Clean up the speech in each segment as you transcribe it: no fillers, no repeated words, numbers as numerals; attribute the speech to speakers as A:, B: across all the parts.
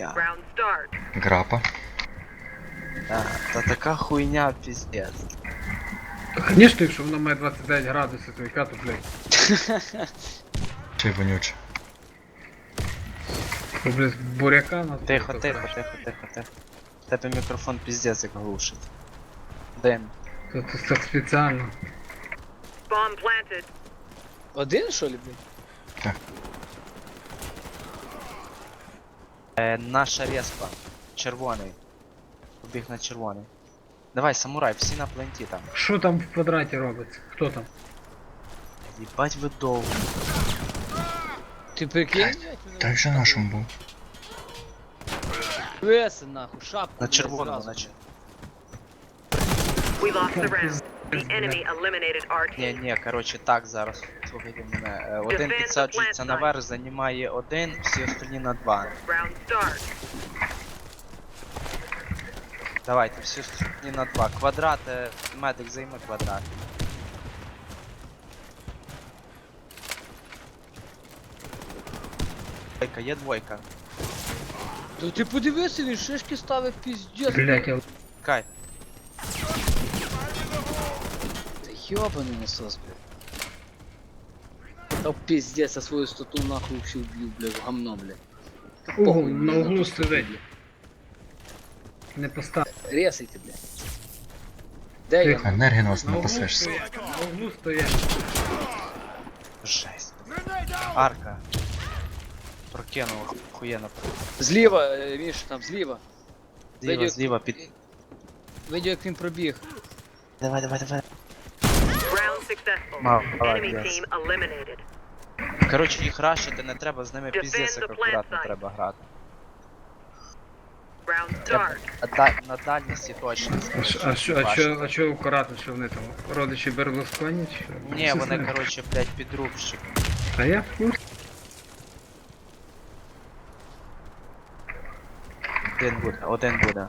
A: хуйня.
B: Грапа.
A: Да, та така хуйня, пиздец.
C: Конечно, якщо воно має 29 градусів, то яка то, блядь.
B: Чи вонюче.
C: То, блядь, буряка на
A: Тихо, тихо, тихо, тихо, тихо. Тебе мікрофон пиздец як глушить. Дим.
C: То так спеціально.
D: Один, що ли, блядь?
A: Наша респа. Червоний. Побіг на червоний. Давай, самурай, всі на пленті там.
C: Що там в квадраті робиться? Хто там?
A: Їбать ви довго.
D: Ти прикинь, блядь,
B: Так же нашому був.
D: Веси, нахуй, шапку,
A: На
D: блядь,
A: червоному,
D: зразу.
A: наче.
E: We lost the round. The enemy eliminated our
A: Ні,
E: team.
A: ні, коротше, так зараз. Слухайте мене. Один підсаджується наверх, займає один, всі остальні на два.
E: Round start.
A: Давайте, всі остальні на два. Квадрат, медик займе квадрат. Двойка, є двойка.
D: Та ти подивися, він шишки ставив піздець.
C: Блядь, я...
A: Кай.
D: Та ёбаний насос, блядь. Та піздець, я свою стату нахуй вообще вб'ю, блядь, в гамно, блядь. Та
C: Угу,
D: похуй мені
C: на углу
D: ту
C: сидить.
D: стату,
C: Не постав.
D: блядь. Ресайте, блядь. Де я?
B: Енергінос
C: На
B: не
C: углу
B: пасешся.
C: стоять. На углу стоять.
A: Жесть. Арка. Прокинув, охуєнно.
D: Зліва, Міш, там зліва.
A: Зліва,
D: Видів-
A: зліва, під...
D: Видів, як він пробіг.
A: Давай, давай, давай.
E: Round successful. Enemy
A: Молодець.
E: team eliminated.
A: Коротше, їх рашити не треба, з ними
E: Defend
A: піздець
E: the
A: як
E: plant
A: акуратно
E: site.
A: треба грати.
E: Round
A: Треба
E: start.
A: на дальності точність.
C: А що акуратно, що вони там? Родичі Берлусконі чи що?
A: Ні, вони, коротше, блядь, підрубщик.
C: Та я в курсі.
A: Один буде.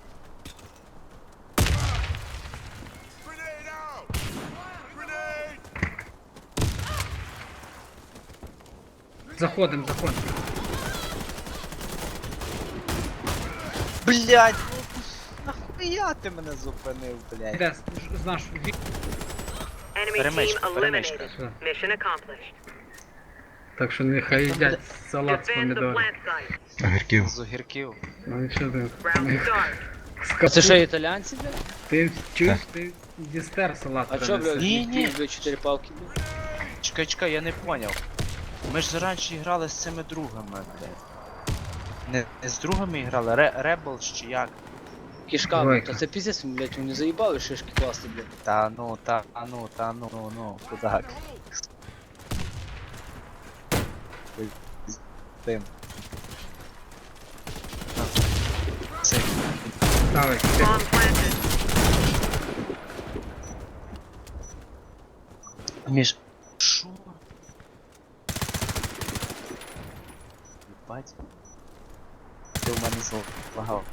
C: Заходим.
A: Блядь, ну нахуя ти мене зупинив, блядь?
C: Де, знаєш,
E: Enemy
A: Перемичка,
E: team
A: перемичка.
E: eliminated. Mission accomplished.
C: так що нехай їдять салат з
E: Defend the
C: помідорів.
E: plant site.
B: Огірків.
A: З огірків.
C: Ну нічого ти.
E: Round start.
D: А це що, італіянці, блядь?
C: Ти чуєш, ти дістер салат
D: А чо, блядь,
C: принеси.
A: Ні.
D: блядь, 4 палки, блядь?
A: Чекай, я не поняв. Ми ж раніше грали з цими другами, блядь. Не з другами грали, Rebels чи як?
D: Кишка, блядь,
C: Двойка.
D: та це піздець, блядь, вони заїбали шишки класти, блядь.
A: Та ну, кудак. Тим. Це
C: Давай,
E: Bomb planted.
A: між... Шо? Єбать. Ти в мене злагав.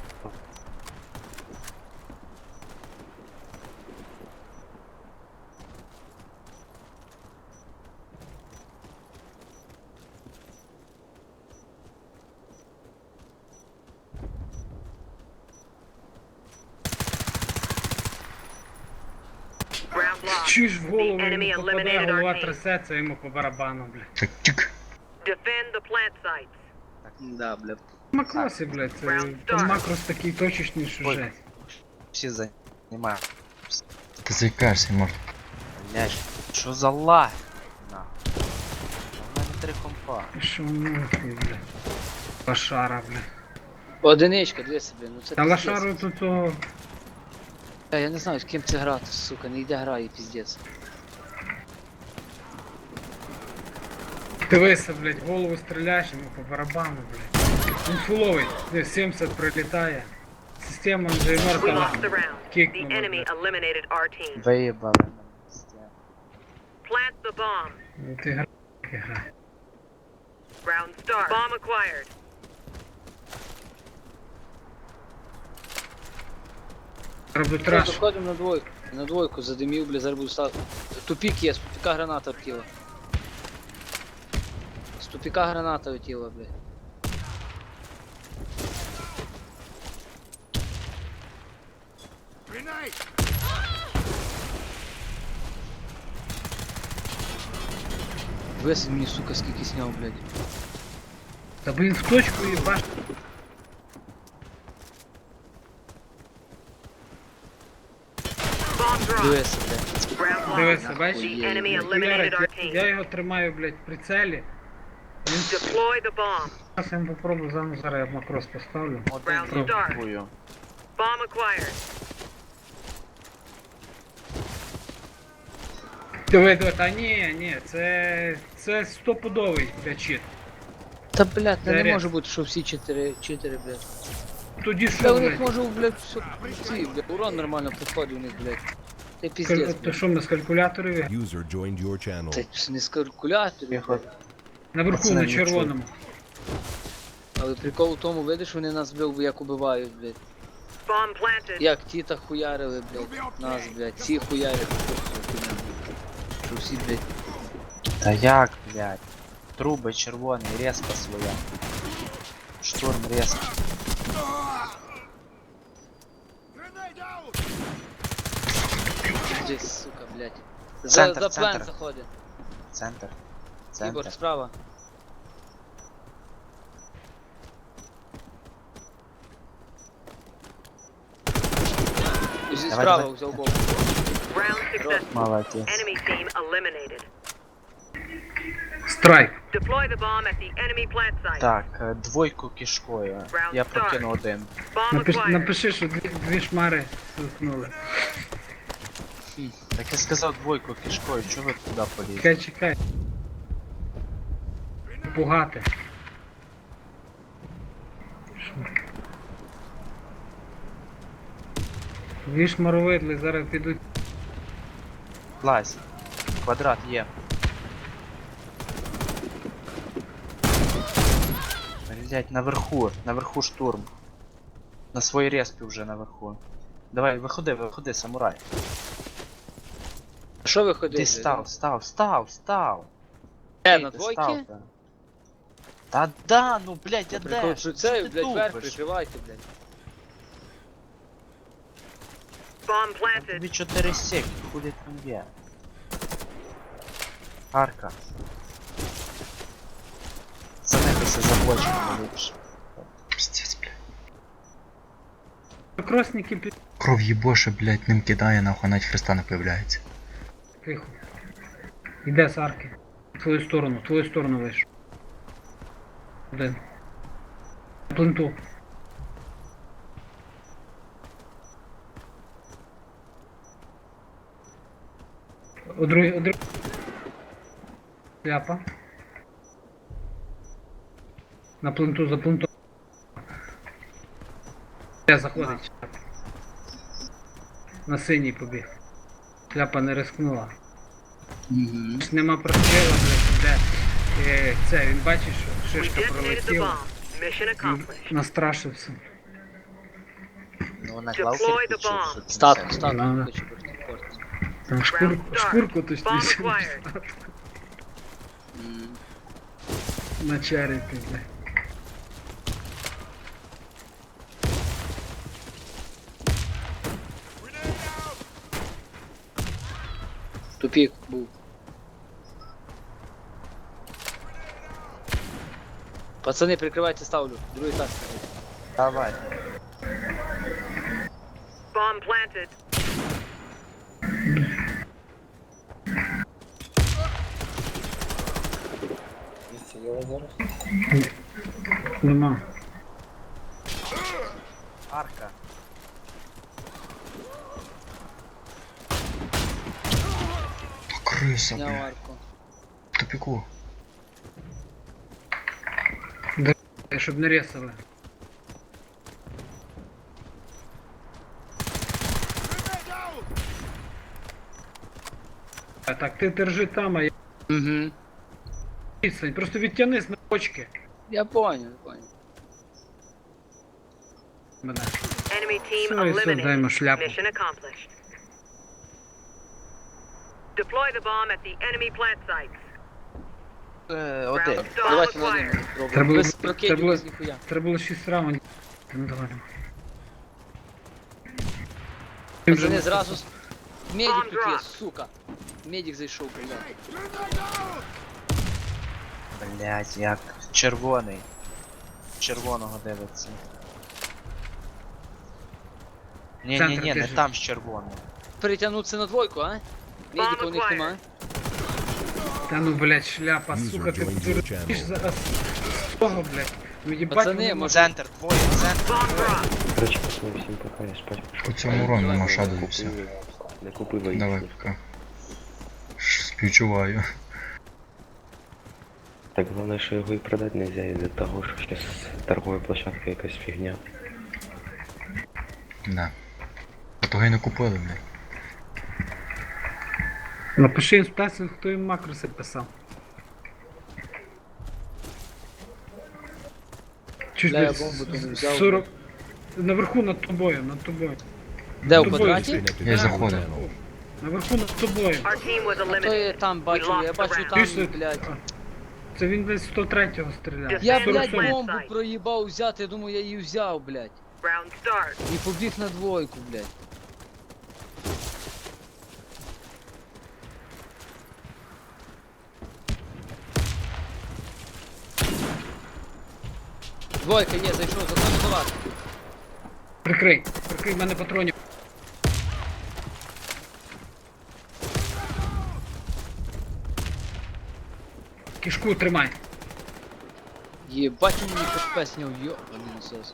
E: Round lost.
C: чуєш в голову,
E: The enemy
C: йому попадає,
E: eliminated our
C: голова
E: team.
C: трясеться, йому по барабану, блядь.
B: Так тік.
E: Defend the plant sites.
D: Да, блядь.
C: Макроси, блядь, це
E: Round
C: там
E: start.
C: макрос такий точечний, що
A: Ой.
C: жесть.
A: Всі займають.
B: Ти заїкаєшся, морд.
A: Блядь, що за lag? На. У мене 3 компа.
C: Що нахуй, блядь. Лошара, блядь.
D: Одиничка, дивися, блядь, ну це
C: Та
D: піздець.
C: лошару тут то...
D: Я не знаю, з ким це грати, сука, не йде грає, піздець.
C: Дивися, блядь, голову стріляєш, йому по барабану, блядь. Він фуловий, десь 70 прилітає. Система вже
E: We
C: мертва.
E: lost the round. The
C: Кикнула,
E: enemy
C: блядь.
E: eliminated our team.
A: Виїбали мене.
E: Plant the bomb.
C: Ну ти грай.
E: Round start. Bomb acquired.
C: Роблю
D: Що,
C: траш.
D: заходимо на двойку. На двойку задимів, блядь, зараз буду ставити. Тупік є, з тупіка граната втіла. З тупіка граната втіла, блядь. Весь мені, сука, скільки сняв, блядь.
C: Та блін в точку і баш.
E: Bomb dropped.
D: Дивися, блядь.
E: Round lost.
C: Дивися, бачиш?
E: The enemy
C: Ярик,
E: eliminated our team.
C: я його тримаю, блядь, в прицелі.
E: Deploy the bomb.
C: Зараз я попробую зараз я макрос поставлю.
A: Один
E: Round
A: пробую.
E: Bomb acquired.
C: Диви, та ні, це стопудовий, блядь, чит.
D: Та, блядь,
C: Це
D: не
C: рез.
D: може бути, що всі чотири, блядь.
C: Тоді
D: Та
C: що,
D: у них
C: блядь?
D: може, блядь, все, ці, блядь, урон нормально приходить у них, блядь. Це піздець,
C: То
D: блядь.
C: що ми з калькуляторів?
F: User joined your channel.
D: Це не з калькуляторів,
A: Тихо.
D: блядь.
C: Наверху
A: Пацани,
C: на
A: не
C: червоному.
D: Але прикол у тому, видиш, вони нас, блядь, як убивають, блядь.
E: Bomb planted.
D: Як тіта хуярили, блядь, нас, блядь, ці хуярили, що всі, блядь.
A: Та як, блядь? Труби червоний, резка своя. Штурм резка.
D: Здесь, сука, блядь.
A: Центр,
D: За план
A: центр.
D: заходить.
A: Центр.
D: Ігор,
A: Центр.
D: справа. Зі
A: Давай,
D: справа
A: давай.
D: взяв бок.
E: Round successful.
A: Молодець.
E: Enemy team eliminated.
C: Страйк.
E: Deploy the bomb at the enemy plant site.
A: Так, двойку кишкою. Я прокину один.
E: Bomb acquired.
C: Напиши, що дві шмари сухнули.
A: Так я сказав двойку кишкою, чого ви туди полізли?
C: Чекай. Пугати. Дві шмаровидли зараз підуть.
A: Лазь. Квадрат є. Блять, наверху штурм. На своїй респі вже наверху. Давай, виходи, самурай.
D: Що ви ходили?
A: Ти став.
D: Е,
A: Ти
D: на
A: став,
D: двойки?
A: та да, ну блять, я
D: Прикол,
A: де?
D: що це,
A: ти
D: блядь, вверх
A: тупиш?
D: прикривайте, блядь.
E: Bomb planted.
A: Тобі 4 сек, хули там є. Арка. Занехайся за бочками ліпше.
B: Пиздец, блядь.
C: Кросники під...
B: Кров їбоше, блядь, ним кидає, нахуй навіть хреста не появляється.
C: Тихо. Іде з арки. В твою сторону вийшов. Один. Пленту. У другий. Ляпа. На пленту, за пленту. Де заходить? На синій побіг. Ляпа не рискнула.
D: Угу.
C: Нема прострілу, блядь, де це, він бачить, що
E: We
C: шишка
E: detonated the
C: пролетіла.
E: bomb. Mission accomplished.
C: Настрашився.
A: Ну на
E: Deploy
A: клаусі
E: the bomb.
D: Статку,
C: Да.
D: статку, хочу порти.
C: Там шкурку точніше.
E: Bomb acquired.
C: Начарити, блядь.
D: Тупік був. Пацани, прикривайте, ставлю. Другий етаж.
A: Давай.
E: Bomb planted.
C: Нема.
A: Арка.
B: Криса,
D: Зняв
B: блядь.
D: арку.
B: В тупіку.
C: Щоб не ресали. Так, ти держи там, а я
D: Угу.
C: відстань. Просто відтягнись на бочки
D: Я понял.
C: мене.
E: Enemy team
C: Все, даємо
E: eliminated.
C: шляпу.
E: Mission accomplished. Deploy the bomb at the enemy plant sites.
A: Один.
E: Round
D: Давайте
E: bomb
D: на один
E: acquired.
C: Треба
D: спробуємо.
C: було-
D: Без
C: треба
D: прокидів,
C: було-
D: без ніхуя.
C: Треба було 6 раундів. Ну давай. Ти вже
D: Пацани
C: не
D: зразу... Медик
E: Bomb
D: тут є,
E: drop.
D: сука. Медик зайшов, блядь.
A: Блять, як червоний. Червоного дивиться. Ні, не
C: біжить.
A: там з червоного.
D: Перетягнутися на двойку, а? Медика у них
E: acquired.
D: нема.
C: Та ну, блядь, шляпа,
F: User
C: сука, ти
F: joined your
C: дуриш
F: channel.
C: зараз. З того, блядь. Ну їбать,
D: Пацани,
C: вони
D: може-
A: Центр, двоє, центр.
E: Bomb drop.
G: Короче, пацаны, всем пока, я спать.
B: По цьому урону нема шаду і все.
G: Не купив
B: Давай, пока. Співчуваю.
G: Так головне, що його і продати нельзя із-за того, що зараз торгова площадка якась фігня.
B: Да. А того й не купили, блядь.
C: Напиши інспекцію, хто їм макроси писав. Чуть
D: Бля, я
C: десь
D: бомбу тут не взяв.
C: 40... Наверху над тобою, над тобою.
D: Де, у
C: Тобою
D: квадраті?
F: Connected
B: Я
F: to your
B: заходив.
F: channel.
C: Наверху над тобою.
E: Our team was
D: А то я
E: eliminated.
D: там
E: We
D: бачу, я
E: lost the
D: бачу
E: round.
D: там,
C: Пішли.
D: блядь.
C: Це він десь 103-го стріляє.
D: Я,
E: Defend
D: блядь,
E: the plant
D: бомбу
E: site.
D: проїбав взяти, я думаю, я її взяв, блядь.
E: Round start.
D: І побіг на двойку, блядь. Двойка є, зайшов, заходь до вас.
C: Прикрий, в мене патронів. Кишку тримай.
D: Єбать, він мені хп сняв, йобаний насос.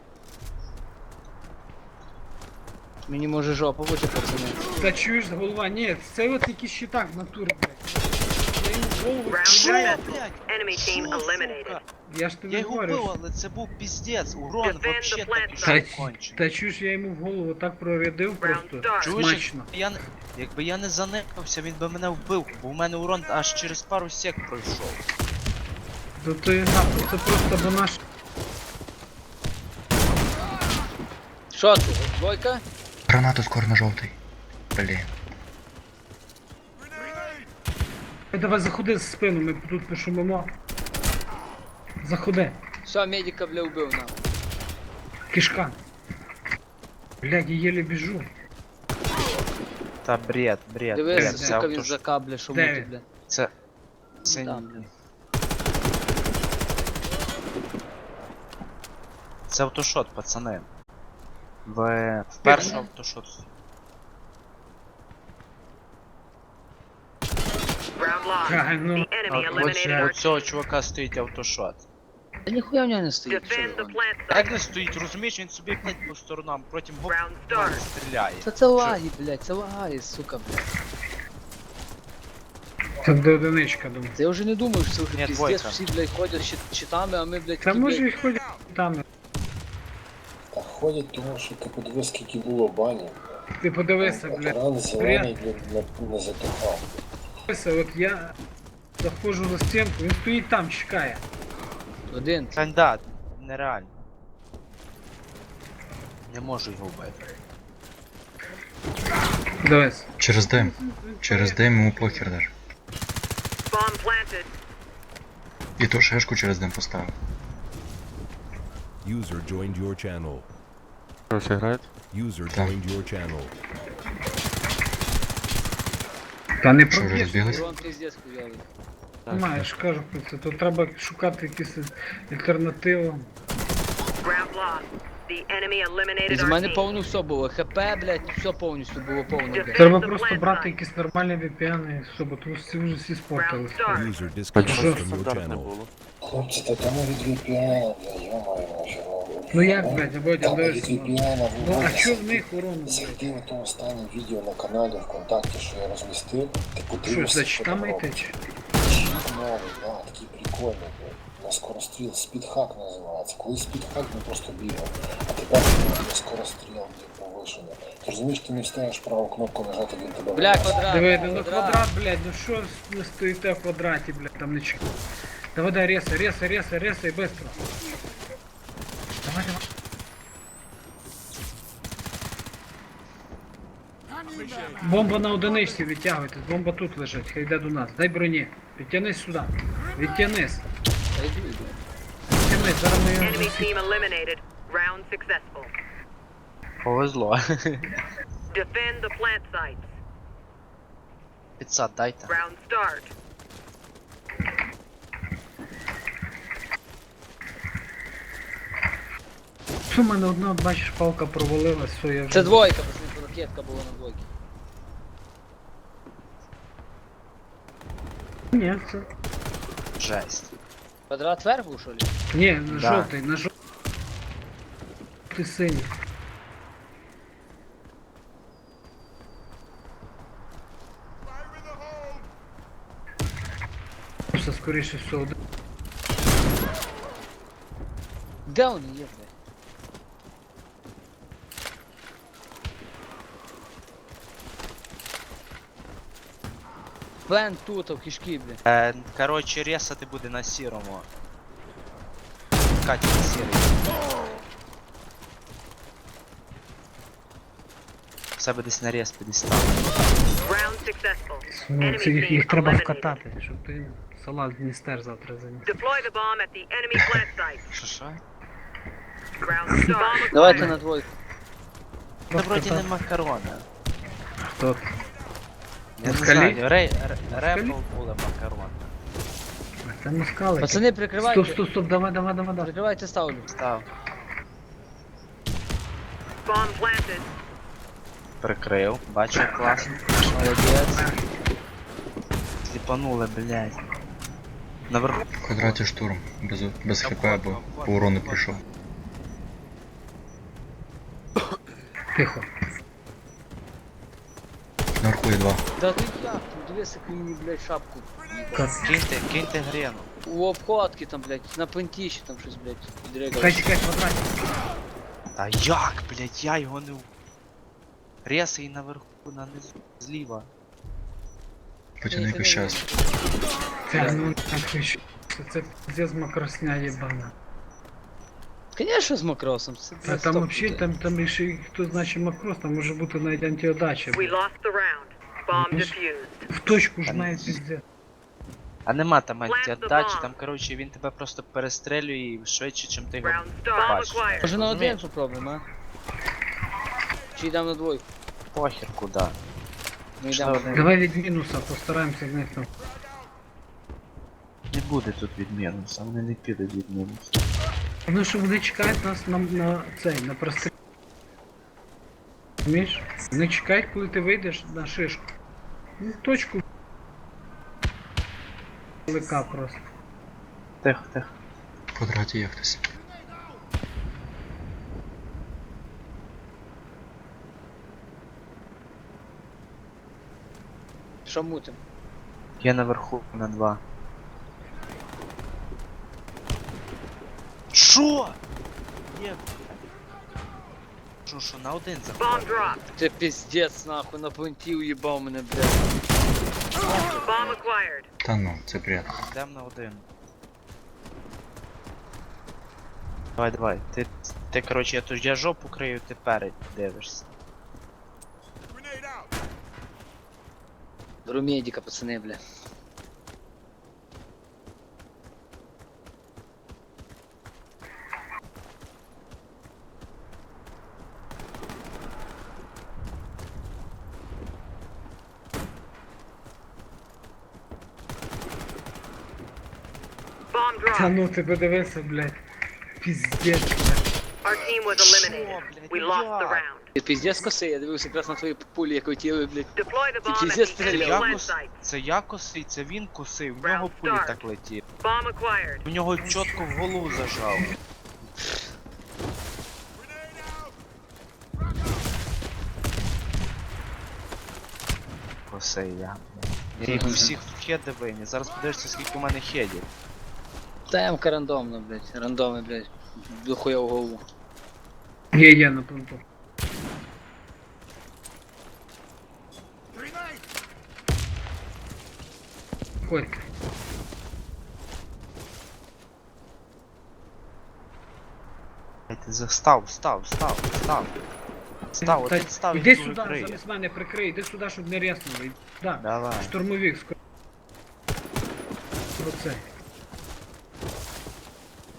D: Мені може жопа бути, пацани.
C: Та чуєш, голова, ні, це от якийсь щитак в натурі, блядь. Я йому в голову
E: Round
C: стріляю.
E: successful. Enemy team eliminated.
C: Я ж тобі
A: Я його
C: говорю.
A: вбив, але це був піздець. Урон
E: Defend
A: вообще
E: the plant
A: такий
C: Та,
A: кончений.
C: та чуєш, я йому в голову так прорядив просто.
E: start.
A: Чуєш,
C: Смачно.
A: якби я не заникався, він би мене вбив, бо в мене урон аж через пару сек пройшов.
C: То і нахуй, це просто бо наш.
D: Що ти, двойка?
B: Гранату скоро на жовтий. Блін.
C: Давай заходи з спину, ми тут пошумимо. Заходи.
D: Все, медика, бля, вбив нам.
C: Кишка. Блядь, я єле біжу.
A: Та бред, бред,
D: Дивись,
A: бред. Це
D: сука, він
A: авто...
D: за кабля, що
C: Де
D: мути,
C: він?
D: бля.
A: Це... Це...
D: Там, бля.
A: Це автошот, пацани. В перший автошот.
E: Round lost.
C: Правильно.
E: The enemy eliminated
A: У
E: our
A: цього
E: team.
A: чувака стоїть автошот.
D: Та ніхуя в нього не стоїть.
E: Defend the
D: червоний.
E: plant
A: Як
E: site.
A: не стоїть, розумієш, він собі блядь, по сторонам, потім гоп,
E: Round
A: в мене
E: start.
A: стріляє.
D: Та це лаги, блядь, це лаги, сука, блядь.
C: Це до одиничка, думаю.
D: Та я вже не думаю, що це вже
A: Ні,
D: піздець,
A: двойка.
D: всі, блядь, ходять з щитами, а ми, блядь,
C: Та
D: такі,
C: може
D: блядь,
C: і ходять там.
H: Та ходять, тому що ти подивись, скільки було банів.
C: Ти подивися, блядь.
H: Ран зелений не затухав.
C: Подивися, от я заходжу за стінку, він стоїть там, чекає.
D: один.
A: Кандидат, нереально. Не можу його вбити.
C: Дивись.
B: Через дим. Через дим йому похер даже.
E: Bomb planted.
B: І ту шишку через дим поставив.
F: User joined your channel.
G: Все грають?
F: User
B: Так.
F: joined your channel.
C: Та не
B: Що вже
C: проб'єш.
B: розбіглись?
D: Урон піздець хуйовий.
C: Маєш, кажу про це. Тут треба шукати якісь альтернативу.
E: Round lost. The enemy eliminated
D: І з
E: our
D: мене
E: team.
D: повно все було. ХП, блядь, все повністю було повно, блядь.
C: Треба просто брати якісь нормальні VPN і все, бо тому що ці вже всі спортили.
F: User disconnected
C: Що?
F: from your channel.
H: Хлопці, та там від VPN, бля, йомаю, може.
C: Ну як, блядь, Бодя,
H: Там від
C: дивись.
H: VPN
C: Ну а
H: виводять.
C: чо в них урон, блядь?
H: Зайди на то останнє відео на каналі ВКонтакті, що я розмістив, ти
C: Що,
H: подивишся,
C: за читами
H: там
C: йти?
H: робить. Чіт новий, да, такий прикольний, блядь. На скоростріл, спідхак називається. Коли спідхак ми просто бігав, а тепер на скоростріл, блядь, повишення. Ти розумієш, ти не встаєш праву кнопку нажати, він тебе
D: Бля,
H: виносить.
D: квадрат,
C: Диви, ну квадрат, блядь, ну що ви стоїте в квадраті, блядь, там не чекай. Давай, дай, ресай, быстро. Давай. Бомба на одиничці, відтягуйтесь, бомба тут лежить, хай йде до нас. Дай броні. Відтянись сюди. Відтянись.
D: Та йду, йду.
C: Відтянись, зараз ми його
E: Enemy
C: засі-
E: team eliminated. Round successful.
A: Повезло.
E: Defend the plant sites.
A: Підсад дайте.
E: Round start.
C: Що в мене одна, бачиш, палка провалилась, все, я вже...
D: Це двойка, пацани, ракетка була на двойці.
C: Ні, це...
A: Жесть.
D: Квадрат вверх був, що ли?
C: Ні, на
A: Да.
C: жовтий, на жовтий. Ти синій. Все, скоріше все, один.
D: Де вони є, блядь? Плен тут, а в кишки, блядь.
A: Коротше, ресати буде на сірому. Катя на сірий. В себе десь на рез підістав.
E: Round successful.
C: Ну, це їх треба вкатати, щоб ти салат Дністер завтра заніс.
E: Deploy the bomb at the enemy plant site.
A: Що?
E: Round start. Bomb
D: Давайте
E: acquired.
D: на двойку.
A: Та вроді не макарони.
C: Хто? ти?
A: Я не
C: Москалі?
A: знаю, Репл були макарони.
C: Це москалики.
D: Пацани, прикривайте.
C: Стоп, давай.
D: Прикривайте, ставлю.
A: Став.
E: Bomb planted.
A: Прикрив. Бачу, класно.
D: Молодець.
A: Сліпанули, блядь. Наверху.
B: В квадраті штурм. Без хп, бо по урону прийшов.
C: Тихо.
B: Наверху є 2.
D: Да ти як там, дивись, як він мені, блядь, шапку.
A: Киньте грену.
D: У обходки там, блядь, на пентіші там щось, блядь, підригало.
C: Чекай, квадратик.
A: Та як, блядь, я його не... Ресай наверху, на низу, зліва.
B: Потяни якусь час.
C: Це, ну, так, що це пиздец макросня єбана.
D: Конечно, з макросом. Це,
C: А там вообще, там ще хто значить макрос, там може бути навіть антиодача.
E: We lost the round. Bomb defused.
C: В точку ж навіть пиздец.
A: А нема там
E: Plant the
A: антиатачі,
E: bomb.
A: там, коротше, він тебе просто перестрелює швидше, чим ти його
E: Round start. Bomb
A: бачиш.
E: acquired.
D: Може на один
A: Розумієш?
D: попробуємо, а? Чи йдемо на двойку?
A: Похер куди.
D: Ми
A: Що
D: йдемо.
A: ви?
C: Давай від мінуса, постараємося з них там.
A: Не буде тут від мінуса, вони не підуть від мінуса.
C: Ну що вони чекають нас на цей, на простріл. Розумієш? Вони чекають, коли ти вийдеш на шишку. Ну, точку. Лика просто.
A: Тихо, тихо.
B: В квадраті є хтось.
D: Що мутим?
A: Я наверху на 2. Шо? Є. Що, на один
E: Bomb
A: заходить?
E: dropped.
D: Це піздець, нахуй, на понті уїбав мене, блядь.
E: Bomb acquired.
B: Та ну, це бред.
A: Йдем на один. Давай. Ти, коротше, я жопу крию, ти перед дивишся.
D: Беру медика, пацани, бля.
E: Bomb
C: Та
E: dropped.
C: ну ти подивися, блядь. Піздець, блядь.
E: Our team was eliminated. We lost the round.
D: Ти піздець коси, я дивився якраз на твої пулі, як летіли, блядь.
E: Deploy the
D: Ти
E: bomb at
D: піздець
E: the
D: стріляв.
E: enemy plant
A: Якось,
E: site.
A: це я косий, це він косив, в нього
E: Round
A: пулі
E: start.
A: так летів.
E: Bomb acquired.
A: У нього чітко в голову зажав. Косий я. Я їх всіх в хеди виніс. Зараз подивишся, скільки у мене хедів.
D: Та рандомно, блядь. Рандомно, блядь. Дохуя в голову.
C: Є на понту. Ходь.
A: Ти став. Став, один став і
C: Іди
A: другий
C: сюди,
A: криє.
C: замість мене прикрий, іди сюди, щоб не ряснули. Да.
A: Давай.
C: Штурмовик скоро. Оце.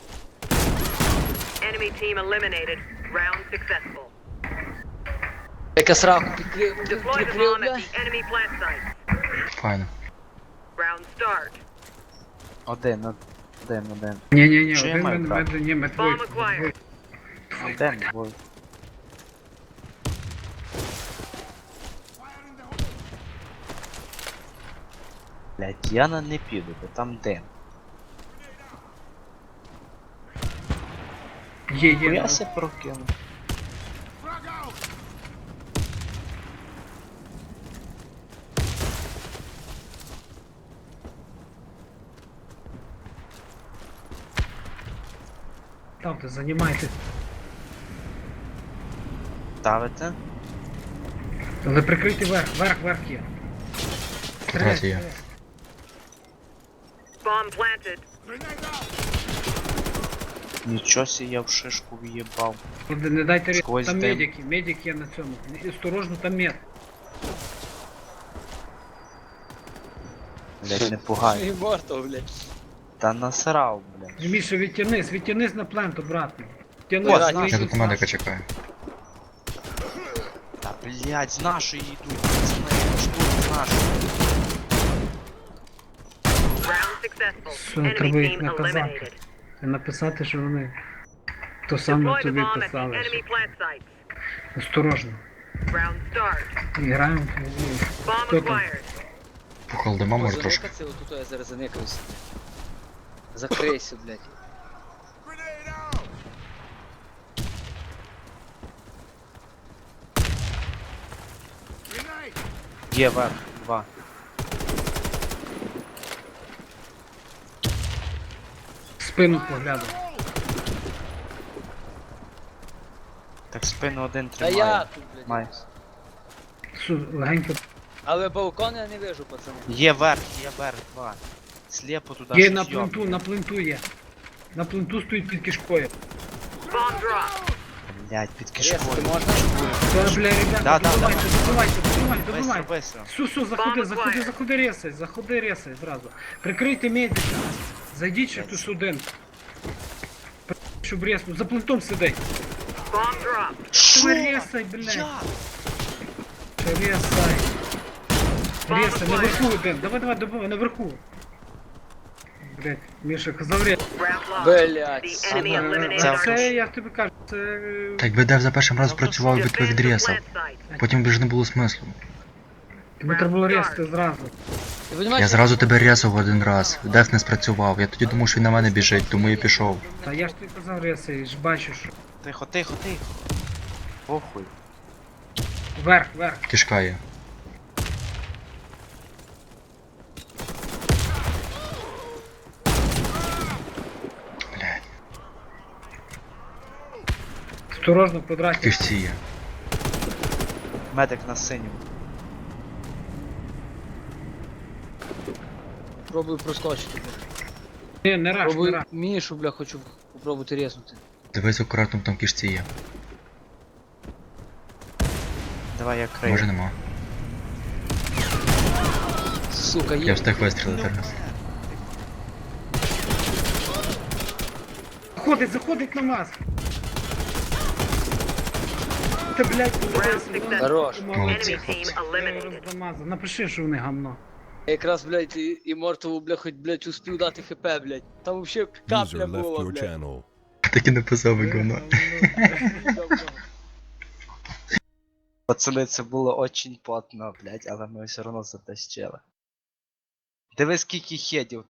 E: Enemy team eliminated. Round successful.
D: Яка сраку прикрив,
E: Deploy the
D: прикрив,
E: bomb at
D: бля.
E: the enemy plant site.
B: Файно.
E: Round start.
A: Один.
C: Ні,
A: Що я
C: один
A: маю
C: ми
A: брати?
C: ні, ми двоє.
E: Bomb acquired.
A: Один, двоє. Блять, я на не піду, бо там дим.
C: Є,
A: Я се прокину.
C: Ставте, займайте.
A: Ставите?
C: Але прикрийте верх є.
B: Квадрат є.
E: Bomb planted.
A: Нічого сі я в шишку в'їбав.
C: Не дайте різати.
A: Сквозь
C: Там
A: дим.
C: медик є на цьому. Осторожно, там мед.
A: Блять, не пугай.
D: І морто, блядь.
A: Та насрав, блять.
C: Міша, відтянись на плент обратно. Відтянись,
A: О,
C: вийди
B: Я
C: з
B: тут на медика
C: нас.
B: чекаю.
A: Та блять, з нашої йдуть, пацани, штурм з нашої.
E: Round successful.
C: Все,
E: Enemy
C: треба їх
E: team
C: наказати.
E: eliminated.
C: І написати, що вони то саме
E: Deploy the
C: тобі
E: bomb at the
C: писали.
E: enemy plant sites.
C: Осторожно.
E: Round start.
C: Граємо.
E: Bomb
C: Хто там?
E: acquired.
B: Пухал дима, може трошки.
D: Заникаться, отут я зараз заникаюся. Закрийся, блядь.
A: Є верх, два.
C: Спину поглядав.
A: Так спину один
D: Та
A: тримає.
D: я тут, блядь.
A: Май.
C: Легенько.
D: Але балкон я не вижу, пацани.
A: Є верх, два. Сліпо туди
C: Є
A: щось
C: на
A: йобне.
C: пленту, на пленту є. На пленту стоїть під кишкою.
E: Bomb drop.
A: Блять, під
D: Резати
A: кишкою.
D: можна?
C: Та, бля, ребята,
A: Да,
C: добивайте.
A: Бистро,
C: Добивайте.
A: бистро.
C: Су, заходи, ресай зразу. Прикрийте медика. Зайдіть ще хтось один. Щоб реснув. За плентом сидить.
E: Bomb drop.
A: Шо?
C: Ресай, блядь.
A: Як?
C: Ресай. Ресай, наверху один. Давай, добивай, наверху. Блядь, Міша, казав ресай.
E: Round lost.
D: Блядь,
E: The enemy
A: Це
E: eliminated
A: вже-
E: our
C: Це, я тобі кажу, це...
B: Так якби Дев за першим разом працював, би твоїх
E: Defend the
B: дрєсав.
E: plant site.
B: Потім би ж не було смислу.
C: Тобі треба було ресати зразу.
D: Ти понімаєш,
B: Я зразу тебе рєсав один раз. Дев не спрацював. Я тоді думав, що він на мене біжить, тому я пішов.
C: Та я ж тобі казав ресай, ж бачу, що...
A: Тихо. Похуй.
C: Верх.
B: Кишка є. Блядь,
C: Осторожно, в квадраті.
B: кишці є.
A: Медик на синьому.
D: пробую проскочити, блядь.
C: Ні, не раш, не
D: Пробую
C: раш.
D: Мішу, бля, хочу попробувати резнути.
B: Дивись акуратно, там кишці є.
A: Давай я крию.
B: Може нема.
D: Сука,
B: Я
D: є.
B: встиг вистрілити раз.
C: Заходить на нас. Та, блядь, подивися,
E: Round
C: вон.
D: Хорош.
B: Молодці,
E: Enemy
B: хлопці.
E: team eliminated.
C: Розмазав. Напиши, що вони гамно.
D: Я якраз, блядь, і Мортову, бля, хоч, блядь, успів дати хп, блядь. Там вообще капля
F: User left
D: була,
F: your
D: блядь.
F: channel.
B: Так і написав би говно.
A: Пацани, це було очень потно, блять, але ми все одно затащили. Диви скільки хедів